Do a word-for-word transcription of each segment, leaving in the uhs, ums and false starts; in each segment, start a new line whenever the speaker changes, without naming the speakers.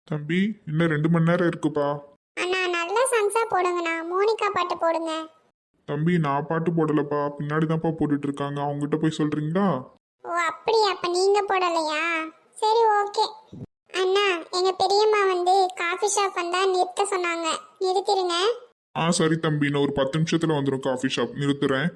தம்பி இன்னும் ரெண்டு மணி நேரம் இருக்குப்பா.
அண்ணா நல்ல சாங்ஸா போடுங்கண்ணா. மோனிகா பாட்டு போடுங்க.
தம்பி நான் பாட்டு போடலப்பா, பின்னாடி தான்ப்பா போட்டுட்டு இருக்காங்க. அவங்ககிட்ட போய் சொல்றீங்களா?
ஓ அப்படியா, அப்ப நீங்க போடலையா? சரி ஓகே. அண்ணா எங்க பெரியம்மா வந்து காஃபி ஷாப் வந்தா நிறுத்த சொன்னாங்க, நிறுத்திடுங்க.
ஆ சரி தம்பி, நான் ஒரு பத்து நிமிஷத்துல வந்துடும். காஃபி ஷாப் நிறுத்துறேன்.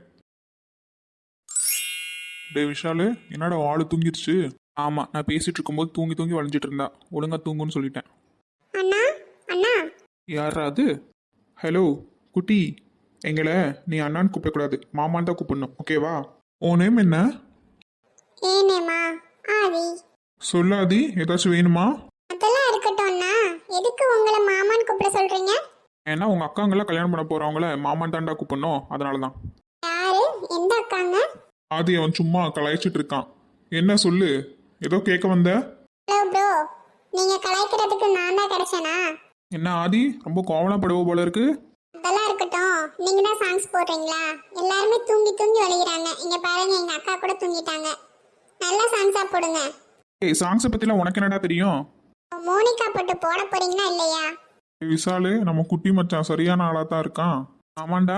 டே விஷாலு, என்னடா ஆளு தூங்கிடுச்சு? ஆமா, நான் பேசிட்டு இருக்கும்போது தூங்கி தூங்கி வளைஞ்சிட்டு இருந்தா. ஒழுங்கா தூங்குன்னு சொல்லிட்டேன்.
அண்ணா அண்ணா
யாரா அது? ஹலோ குட்டி, எங்களை நீ அண்ணான்னு கூப்பிடக்கூடாது, மாமான்னு தான் கூப்பிடணும், ஓகேவா? உன் நேம் என்ன?
ஏனேமா ஆதி.
சொல்லாதி, ஏதாச்சும் வேணுமா?
அதெல்லாம் இருக்கட்டும் அண்ணா. எதுக்கு உங்களை மாமான்னு கூப்பிட சொல்றீங்க?
ஏன்னா உங்க அக்காங்கெல்லாம் கல்யாணம் பண்ண போறவங்கள மாமான் தாண்டா கூப்பிடணும், அதனால தான்.
யாரு? எந்த அக்காங்க?
ஆதி அவன் சும்மா கலாய்ச்சிட்டு இருக்கான். என்ன சொல்லு, ஏதோ கேட்க வந்த?
ஹலோ ப்ரோ, நீங்க கலாய்க்கிறதுக்கு நான் தான் கிடைச்சேனா?
என்ன ஆதி, ரொம்ப கோவலாம் படுவ போல இருக்கு.
அதெல்லாம் இருக்கட்டும். நீங்க தான் சாங்ஸ் போடுறீங்களா? எல்லாருமே தூங்கி தூங்கி வலிக்கிறாங்க. இங்க பாருங்க, எங்க அக்கா கூட தூங்கிட்டாங்க. நல்ல சாங்ஸா போடுங்க.
ஏய், சாங்ஸை பத்திலாம் உனக்கு என்னடா தெரியும்?
மோனிகா போட்டு போட போறீங்களா இல்லையா?
ஏய், விசாலு நம்ம குட்டி மச்சான் சரியான ஆளா தான் இருக்கான். ஆமாண்டா.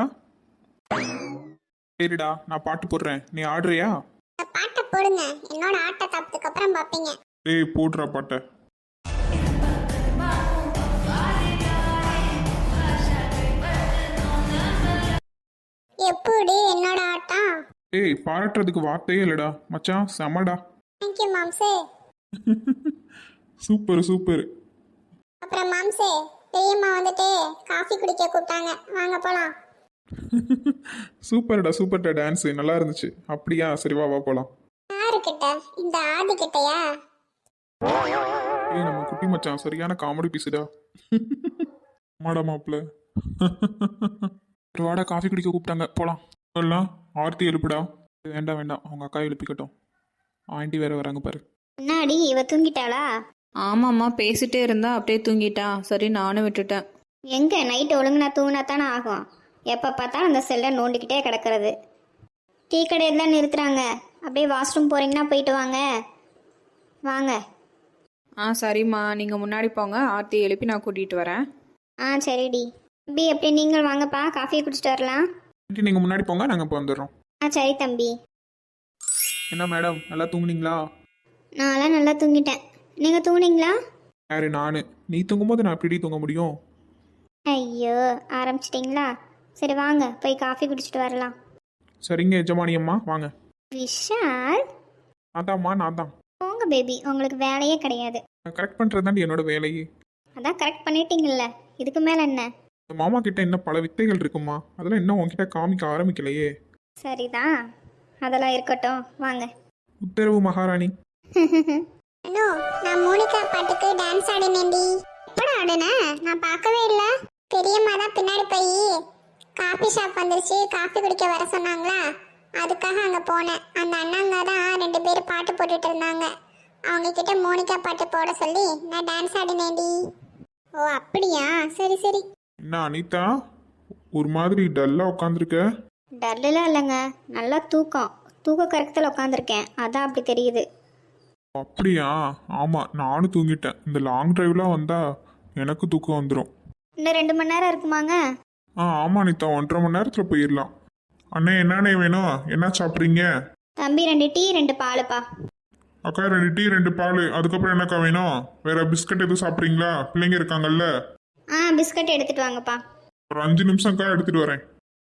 சரிடா, நான் பாட்டு போடுறேன், நீ ஆடுறியா?
இந்த பாட்டை போடுங்க. என்னோட ஆட்ட தாப்பதுக்கு அப்புறம் பாப்பீங்க.
ஏய் போடுறா பாட்டை.
எப்படி என்னோட ஆட்டம்?
ஏய் பாராட்டுறதுக்கு வார்த்தையே இல்லடா மச்சான், செமடா.
தேங்க்யூ மாம்சே.
Super super.
அப்புறம் மாம்சே, பெரியம்மா வந்துட்டு காஃபி குடிக்க கூப்பிட்டாங்க, வாங்க போலாம்.
சூப்பர்டா சூப்பர்டா, டான்ஸ் நல்லா இருந்துச்சு. அப்படியா, சரி வா வா போலாம்.
யாருக்கிட்ட? இந்த ஆதி கிட்டயா?
ஏய் நம்ம குட்டி மச்சான் சரியான காமெடி பீஸுடா. மாடா மாப்பிள்ள. ஒரு வாடா, காஃபி குடிக்க கூப்பிட்டாங்க, போலாம். சொல்லலாம். ஆர்த்தி எழுப்புடா. வேண்டாம் வேண்டாம், அவங்க அக்கா எழுப்பிக்கட்டும். ஆண்டி வேற வராங்க பாரு.
முன்னாடி இவ தூங்கிட்டாளா?
ஆமாம்மா, பேசிட்டே இருந்தா அப்படியே தூங்கிட்டா. சரி நானும் விட்டுட்டேன்.
எங்க நைட்டு ஒழுங்குனா தூங்கினா தானே ஆகும். எப்போ பார்த்தாலும் அந்த செல்லை நோண்டிக்கிட்டே கிடக்கிறது. டீ கடையில் தான் நிறுத்துறாங்க. அப்படியே வாஷ்ரூம் போகிறீங்கன்னா போயிட்டு வாங்க. வாங்க.
ஆ சரிம்மா, நீங்கள் முன்னாடி போங்க, ஆர்த்தி எழுப்பி நான் கூட்டிகிட்டு வரேன்.
ஆ சரிடி. தம்பி அப்படியே நீங்கள் வாங்கப்பா, காஃபியை குடிச்சிட்டு வரலாம்.
ஆண்டி நீங்கள் முன்னாடி போங்க, நாங்கள் இப்போ வந்துடுறோம்.
ஆ சரி தம்பி.
என்ன மேடம், நல்லா தூங்குனீங்களா?
நான்லாம் நல்லா தூங்கிட்டேன். நீங்கள் தூங்குனீங்களா?
யாரு நானு? நீ தூங்கும்போது நான் எப்படி தூங்க முடியும்?
ஐயோ, ஆரம்பிச்சிட்டிங்களா? சரி வாங்க, போய் காஃபி குடிச்சிட்டு வரலாம்.
சரிங்க எஜமானி அம்மா, வாங்க.
விஷால்,
நான் தான்மா, நான் தான்.
போங்க பேபி, உங்களுக்கு வேலையே கிடையாது.
கரெக்ட் பண்ணுறது தாண்டி என்னோட வேலையே.
அதான் கரெக்ட் பண்ணிட்டீங்கல்ல, இதுக்கு மேலே என்ன?
இந்த மாமா கிட்ட இன்னும் பல வித்தைகள் இருக்குமா, அதெல்லாம் இன்னும் உங்ககிட்ட காமிக்க ஆரம்பிக்கலையே.
சரிதான், அதெல்லாம் இருக்கட்டும், வாங்க.
உத்தரவு மகாராணி.
அண்ணோ, நான் மோனிகா பாட்டுக்கு டான்ஸ் ஆடினேன்டி. எப்படா ஆடுன? நான் பார்க்கவே இல்லை. பெரியம்மா தான் பின்னாடி போய் காஃபி ஷாப் வந்துருச்சு, காஃபி குடிக்க வர சொன்னாங்களா, அதுக்காக அங்கே போனேன். அந்த அண்ணாங்க தான் ரெண்டு பேரும் பாட்டு போட்டுட்டு இருந்தாங்க. அவங்க கிட்ட மோனிகா பாட்டு போட சொல்லி நான் டான்ஸ் ஆடினேன்டி. ஓ அப்படியா, சரி சரி.
என்ன அனிதா, ஒரு மாதிரி டல்லா உட்காந்துருக்க?
டல்லாம் இல்லைங்க, நல்லா தூக்கம் தூக்க கரெக்டில் உட்காந்துருக்கேன், அதான் அப்படி தெரியுது.
அப்படியா? ஆமாம், நானும் தூங்கிட்டேன். இந்த லாங் டிரைவ்லாம் வந்தால் எனக்கு தூக்கம் வந்துடும்.
இன்னும் ரெண்டு மணி நேரம் இருக்குமாங்க?
ஆ ஆமாம் அனிதா, ஒன்றரை மணி நேரத்தில் போயிடலாம். அண்ணே என்னண்ணே வேணும், என்ன சாப்பிட்றீங்க?
தம்பி ரெண்டு டீ ரெண்டு பாலுப்பா.
அக்கா ரெண்டு டீ ரெண்டு பால். அதுக்கப்புறம் என்னக்கா வேணும்? வேற பிஸ்கட் எதுவும் சாப்பிட்றீங்களா? பிள்ளைங்க இருக்காங்கல்ல.
ஆ பிஸ்கட் எடுத்துட்டு வாங்கப்பா.
ஒரு அஞ்சு நிமிஷம்க்கா, எடுத்துட்டு வரேன்.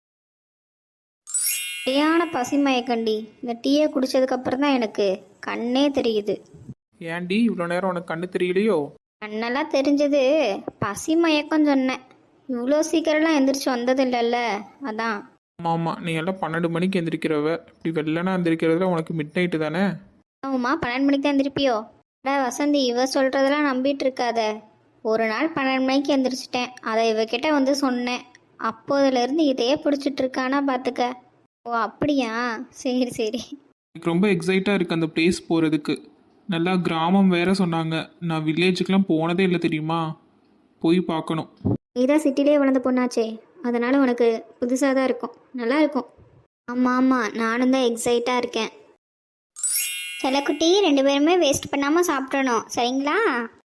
சரியான பசிமயக்கண்டி. இந்த டீயை குடிச்சதுக்கப்புறம் தான் எனக்கு கண்ணே தெரியுது.
ஏன்டி இவ்வளோ நேரம் உனக்கு கண்ணு தெரியலையோ?
கண்ணெல்லாம் தெரிஞ்சது, பசி மயக்கம் சொன்னேன். இவ்வளோ சீக்கிரம்லாம் எந்திரிச்சு வந்தது இல்லைல்ல, அதான்.
ஆமாம் ஆமாம், நீ எல்லாம் பன்னெண்டு மணிக்கு எந்திரிக்கிறவ, இப்படி வெள்ளனா எந்திரிக்கிறதுல உனக்கு மிட் நைட்டு தானே?
ஆமாம்மா, பன்னெண்டு மணிக்கு தான் எந்திரிப்பியோ? அடா வசந்தி, இவ சொல்கிறதெல்லாம் நம்பிட்டு இருக்காத. ஒரு நாள் பன்னெண்டு மணிக்கு எந்திரிச்சிட்டேன், அதை இவகிட்ட வந்து சொன்னேன். அப்போதுலேருந்து இதையே பிடிச்சிட்டு இருக்கானா பார்த்துக்க. ஓ அப்படியா, சரி சரி.
எனக்கு ரொம்ப எக்ஸைட்டாக இருக்குது அந்த பிளேஸ் போகிறதுக்கு. நல்லா கிராமம் வேற சொன்னாங்க. நான் வில்லேஜுக்கெலாம் போனதே இல்லை தெரியுமா, போய் பார்க்கணும்.
நீதான் சிட்டிலே வளர்ந்த பொண்ணாச்சே, அதனால் உனக்கு புதுசாக தான் இருக்கும், நல்லா இருக்கும். ஆமாம் ஆமாம், நானும் தான் எக்ஸைட்டாக இருக்கேன். செல்லக்குட்டி, ரெண்டு பேருமே வேஸ்ட் பண்ணாமல் சாப்பிட்றணும், சரிங்களா?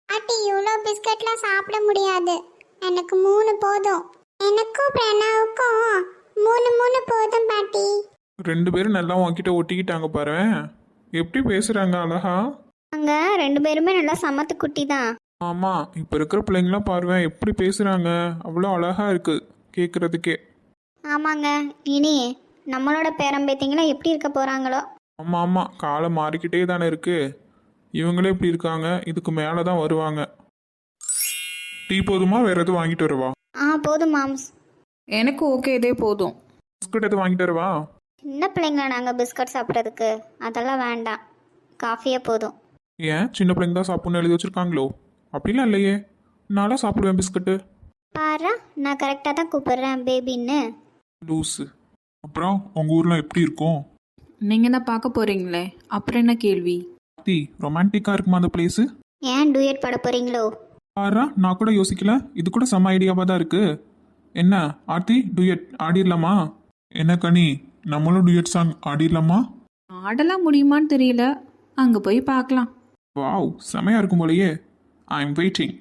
பாட்டி இவ்வளோ பிஸ்கட்லாம் சாப்பிட முடியாது. எனக்கு மூணு போதும். எனக்கும் பிரணாவுக்கும் மூணு மூணு போதும் பாட்டி.
ரெண்டு பேரும் நல்லா உன்கிட்ட ஒட்டிக்கிட்டாங்க பாரு. எப்படி பேசுறாங்க அழகா.
அங்க ரெண்டு பேருமே நல்லா சமத்து குட்டி தான்.
ஆமா, இப்போ இருக்கிற பிள்ளைங்களாம் பாருவேன் எப்படி பேசுறாங்க. அவ்வளோ அழகா இருக்கு கேட்கறதுக்கே.
ஆமாங்க, இனி நம்மளோட பேரம்பேத்திங்களா எப்படி இருக்க போறாங்களோ.
ஆமா ஆமா, காலம் மாறிக்கிட்டே தானே இருக்கு. இவங்களே இப்படி இருக்காங்க, இதுக்கு மேலே தான் வருவாங்க. டீ போதுமா, வேற எதுவும் வாங்கிட்டு வரவா?
ஆ போதும் மாம்ஸ்.
எனக்கு ஓகே, இதே போதும்.
பிஸ்கட் எதுவும் வாங்கிட்டு வரவா?
சின்ன பிள்ளைங்களா நாங்கள் பிஸ்கட் சாப்பிட்றதுக்கு, அதெல்லாம் வேண்டாம். காஃபியே போதும்.
ஏன் சின்ன பிள்ளைங்க தான் சாப்பிட்ணுன்னு எழுதி வச்சிருக்காங்களோ? அப்படிலாம் இல்லையே, நான்லாம் சாப்பிடுவேன் பிஸ்கட்டு.
பாரா, நான் கரெக்டாக தான் கூப்பிடுறேன் பேபின்னு.
லூஸு. அப்புறம் உங்கள் ஊரில் எப்படி இருக்கும்?
நீங்கள் தான் பார்க்க போகிறீங்களே, அப்புறம் என்ன கேள்வி?
டீ ரொமான்டிக்காக இருக்குமா அந்த பிளேஸு?
ஏன் டூயட் பாட போறீங்களோ?
ஆறா, நான் கூட யோசிக்கல. இது கூட செம்ம ஐடியாவாக தான் இருக்கு. என்ன ஆர்த்தி, டூயட் ஆடிடலாமா? என்ன கனி, நம்மளும் டூயட் சாங் ஆடிடலாமா?
ஆடலாம் முடியுமான்னு தெரியல, அங்கே போய் பார்க்கலாம்.
வாவ், செமையாக இருக்கும் போலயே. I am waiting.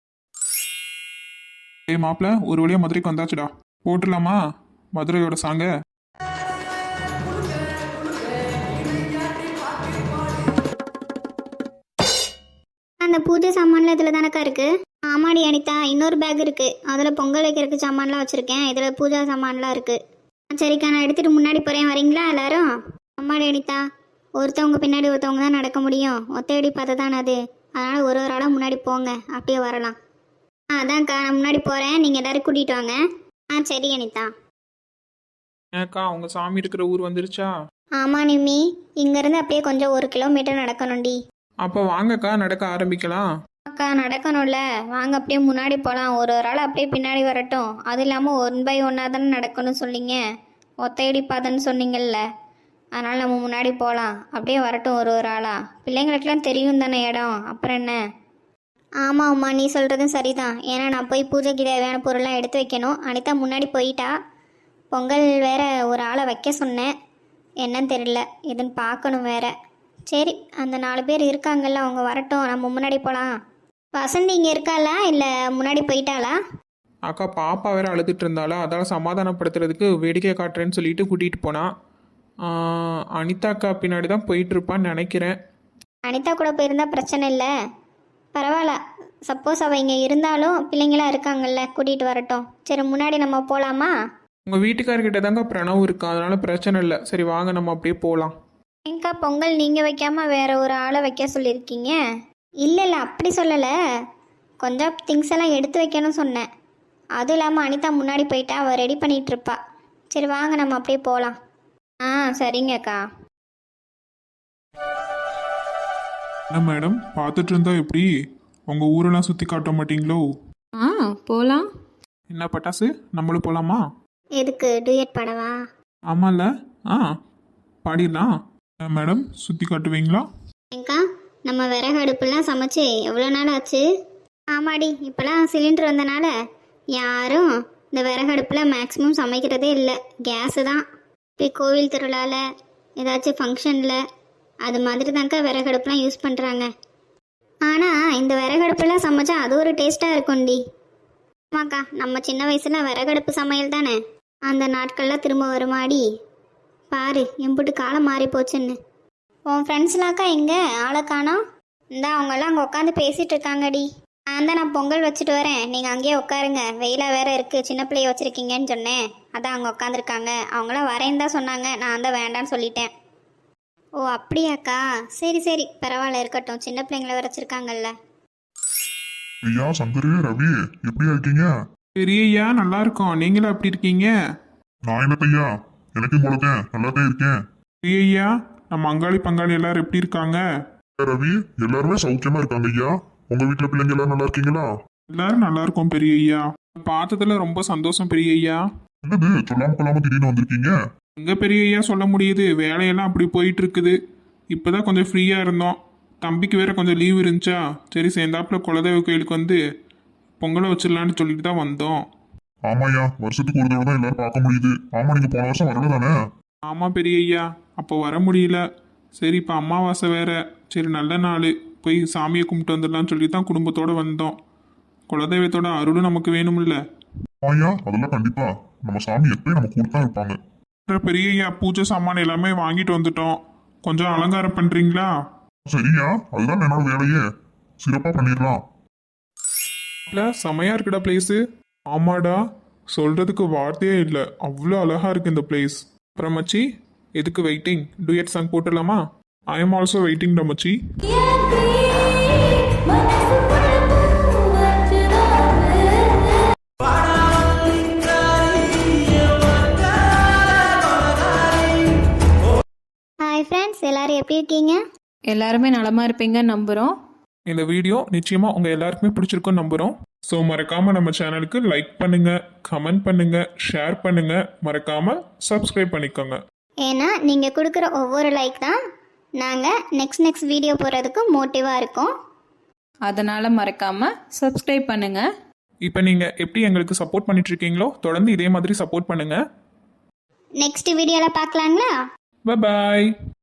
ஏய் மாப்பிள்ள, ஒரு வழியாக மதுரைக்கு வந்தாச்சுடா. போட்டுடலாமா மதுரையோட சாங்க?
அந்த பூஜை சாமான்லாம் இதில் தானக்கா இருக்கு. ஆமாடி அனிதா, இன்னொரு பேக் இருக்கு, அதில் பொங்கல் வைக்கிறதுக்கு சாமான்லாம் வச்சுருக்கேன். இதில் பூஜா சாமான்லாம் இருக்கு. சரிக்கா, நான் எடுத்துகிட்டு முன்னாடி போகிறேன், வரீங்களா எல்லாரும்? ஆமாடி அனிதா, ஒருத்தவங்க பின்னாடி ஒருத்தவங்க தான் நடக்க முடியும். ஒத்தையடி பார்த்து தானே அது, அதனால் ஒரு ஒரு ஆளாக முன்னாடி போங்க, அப்படியே வரலாம். ஆ அதான்க்கா, நான் முன்னாடி போகிறேன், நீங்கள் எல்லோரும் கூட்டிகிட்டு வாங்க. ஆ சரி அனிதா.
ஏக்கா, உங்கள் சாமி இருக்கிற ஊர் வந்துருச்சா?
ஆமாம் நிம்மி, இங்கேருந்து அப்படியே கொஞ்சம் ஒரு கிலோமீட்டர் நடக்கணும்டி.
அப்போ வாங்கக்கா, நடக்க ஆரம்பிக்கலாம்.
அக்கா நடக்கணும்ல, வாங்க அப்படியே முன்னாடி போகலாம். ஒரு ஒரு ஆள் அப்படியே பின்னாடி வரட்டும். அது இல்லாமல் ஒன் பை ஒன்னாக தானே நடக்கணும்னு சொன்னீங்க, ஒத்தையடி பாதன்னு சொன்னீங்கல்ல, அதனால் நம்ம முன்னாடி போகலாம். அப்படியே வரட்டும் ஒரு ஒரு ஆளா. பிள்ளைங்களுக்கெல்லாம் தெரியும் தானே இடம், அப்புறம் என்ன? ஆமாம் அம்மா, நீ சொல்கிறதும் சரிதான். ஏன்னா நான் போய் பூஜைக்கு தேவையான பொருள்லாம் எடுத்து வைக்கணும். அனிதா முன்னாடி போயிட்டா. பொங்கல் வேற ஒரு ஆளை வைக்க சொன்னேன், என்னன்னு தெரியல, எதுன்னு பார்க்கணும் வேற. சரி, அந்த நாலு பேர் இருக்காங்கல்ல, அவங்க வரட்டும், நம்ம முன்னாடி போகலாம். வசந்தி இங்கே இருக்காளா இல்லை முன்னாடி போயிட்டாளா?
அக்கா பாப்பா வேற அழுதுட்டு இருந்தாளா, அதால் சமாதானப்படுத்துறதுக்கு வேடிக்கை காட்டுறேன்னு சொல்லிட்டு கூட்டிகிட்டு போனா. அனிதா அக்கா பின்னாடி தான் போயிட்டு இருப்பான்னு நினைக்கிறேன்.
அனிதா கூட போயிருந்தா பிரச்சனை இல்லை, பரவாயில்ல. சப்போஸ் அவள் இங்கே இருந்தாலும் பிள்ளைங்களாம் இருக்காங்கல்ல, கூட்டிகிட்டு வரட்டும். சரி, முன்னாடி நம்ம போகலாமா?
உங்கள் வீட்டுக்காரர்கிட்ட தாங்க பிரணவ் இருக்கா, அதனால பிரச்சனை இல்லை. சரி வாங்க, நம்ம அப்படியே போகலாம்.
ஏங்கா, பொங்கல் நீங்கள் வைக்காமல் வேற ஒரு ஆளை வைக்க சொல்லியிருக்கீங்க? இல்லை இல்லை, அப்படி சொல்லலை, கொஞ்சம் திங்ஸ் எல்லாம் எடுத்து வைக்கணும்னு சொன்னேன். அதுவும் இல்லாமல் அனிதா முன்னாடி போயிட்டா, அவள் ரெடி பண்ணிகிட்டு இருப்பா. சரி வாங்க, நம்ம அப்படியே போகலாம். ஆ சரிங்கக்கா.
என்ன மேடம், பார்த்துட்டு இருந்தா எப்படி? உங்கள் ஊரெல்லாம் சுற்றி காட்ட மாட்டீங்களோ?
ஆ போகலாம்.
என்ன பட்டாசு, நம்மளும் போகலாமா?
எதுக்கு, டூயட் பாடவா?
ஆமாம்ல, ஆ பாடிடலாம். மேடம், சுற்றி காட்டுவீங்களா?
ஏங்கா, நம்ம விறகு அடுப்புலாம் சமைச்சு எவ்வளோ நாள் ஆச்சு? ஆமாடி, இப்போலாம் சிலிண்டர் வந்தனால யாரும் இந்த விறகு அடுப்பில் மேக்ஸிமம் சமைக்கிறதே இல்லை, கேஸு தான். இப்போ கோவில் திருவிழாவில் ஏதாச்சும் ஃபங்க்ஷனில் அது மாதிரி தாங்க்கா விறகு அடுப்புலாம் யூஸ் பண்ணுறாங்க. ஆனால் இந்த விறகு அடுப்புலாம் சமைச்சா அது ஒரு டேஸ்ட்டாக இருக்கும்டி. ஆமாக்கா, நம்ம சின்ன வயசில் விறகடுப்பு சமையல் தானே, அந்த நாட்கள்லாம் திரும்ப வருமாடி. பாரு எம்புட்டு காலம் மாறி போச்சுன்னு. உன் ஃப்ரெண்ட்ஸ்லாக்கா எங்கே, ஆளை காணோம்? இந்தா அவங்கெல்லாம் அங்கே உட்காந்து பேசிகிட்டு இருக்காங்கடி. நான் தான் நான் பொங்கல் வச்சுட்டு வரேன், நீங்கள் அங்கேயே உட்காருங்க, வெயிலாக வேற இருக்குது, சின்ன பிள்ளைய வச்சுருக்கீங்கன்னு சொன்னேன், அதான் அவங்க உட்காந்துருக்காங்க. அவங்களாம் வரேன்னு தான் சொன்னாங்க, நான் தான் வேண்டான்னு சொல்லிட்டேன். ஓ அப்படியாக்கா, சரி சரி பரவாயில்ல, இருக்கட்டும், சின்ன பிள்ளைங்கள வச்சுருக்காங்கல்ல.
ஐயா சங்கரு, ரவி எப்படியா இருக்கீங்க?
பெரியய்யா நல்லா இருக்கோம், நீங்களும் எப்படி இருக்கீங்க?
நான் என்னத்தையா, எனக்கும் போலத்தேன் நல்லா தான் இருக்கேன்.
பெரியய்யா, நம்ம அங்காளி பங்காளி எல்லாரும் எப்படி இருக்காங்க?
ரவி, எல்லாருமே சௌக்கியமா இருக்காங்க ஐயா. உங்க வீட்டுல பிள்ளைங்க எல்லாரும் நல்லா இருக்கீங்களா?
எல்லாரும் நல்லா இருக்கோம் பெரியய்யா. பார்த்ததுல ரொம்ப சந்தோஷம் பெரியய்யா.
என்னது சொல்லாம கொள்ளாம திடீர்னு வந்திருக்கீங்க?
எங்க பெரியய்யா சொல்ல முடியுது, வேலையெல்லாம் அப்படி போயிட்டு இருக்குது. இப்போதான் கொஞ்சம் ஃப்ரீயா இருந்தோம், தம்பிக்கு வேற கொஞ்சம் லீவ் இருந்துச்சா, சரி சேர்ந்தாப்புல குலதெய்வ கோயிலுக்கு வந்து பொங்கலை வச்சிடலான்னு சொல்லிட்டு தான் வந்தோம்.
ஆமாய்யா, வருஷத்துக்கு ஒரு தடவை தான் எல்லாரும் பார்க்க முடியுது. ஆமா, நீங்க போன வருஷம் வரல தானே?
ஆமா பெரியய்யா, அப்போ வர முடியல. சரி இப்போ அமாவாசை வேற, சரி நல்ல நாள் போய் சாமியை கும்பிட்டு வந்துடலாம்னு சொல்லி தான் குடும்பத்தோட வந்தோம். குலதெய்வத்தோட அருளும் நமக்கு வேணும்ல.
ஐயா அதெல்லாம் கண்டிப்பா நம்ம சாமி எப்பயும் நம்ம கூட தான் இருப்பாங்க.
அப்புறம் பெரிய ஐயா பூஜை சாமான் எல்லாமே வாங்கிட்டு வந்துட்டோம். கொஞ்சம் அலங்காரம் பண்றீங்களா?
சரியா அதுதான் என்னோட வேலையே, சிறப்பா பண்ணிடலாம்.
இல்லை செமையா இருக்குடா பிளேஸு. ஆமாடா, சொல்றதுக்கு வார்த்தையே இல்லை, அவ்வளோ அழகா இருக்கு இந்த பிளேஸ். அப்புறம் மச்சி, எதுக்கு வெயிட்டிங்? டூயட் சாங் போட்டுடலாமா? ஐ எம் ஆல்சோ வெயிட்டிங் டா மச்சி.
ஹாய் ஃப்ரெண்ட்ஸ், எல்லாரும் எப்படி இருக்கீங்க?
எல்லாருமே நலமா இருப்பீங்கன்னு நம்புகிறோம்.
இந்த வீடியோ நிச்சயமா உங்க எல்லாருக்குமே பிடிச்சிருக்கும்னு நம்புறோம். ஸோ மறக்காம நம்ம சேனலுக்கு லைக் பண்ணுங்க, கமெண்ட் பண்ணுங்க, ஷேர் பண்ணுங்க, மறக்காம சப்ஸ்கிரைப் பண்ணிக்கோங்க.
ஏன்னா நீங்கள் கொடுக்குற ஒவ்வொரு லைக் தான் நாங்கள் நெக்ஸ்ட் நெக்ஸ்ட் வீடியோ போடுறதுக்கு மோட்டிவாக இருக்கோம்.
அதனால் மறக்காமல் சப்ஸ்கிரைப் பண்ணுங்கள்.
இப்போ நீங்க எப்படி எங்களுக்கு சப்போர்ட் பண்ணிட்டு இருக்கீங்களோ தொடர்ந்து இதே மாதிரி சப்போர்ட் பண்ணுங்க.
நெக்ஸ்ட் வீடியோவில் பார்க்கலாங்களா?
Bye bye.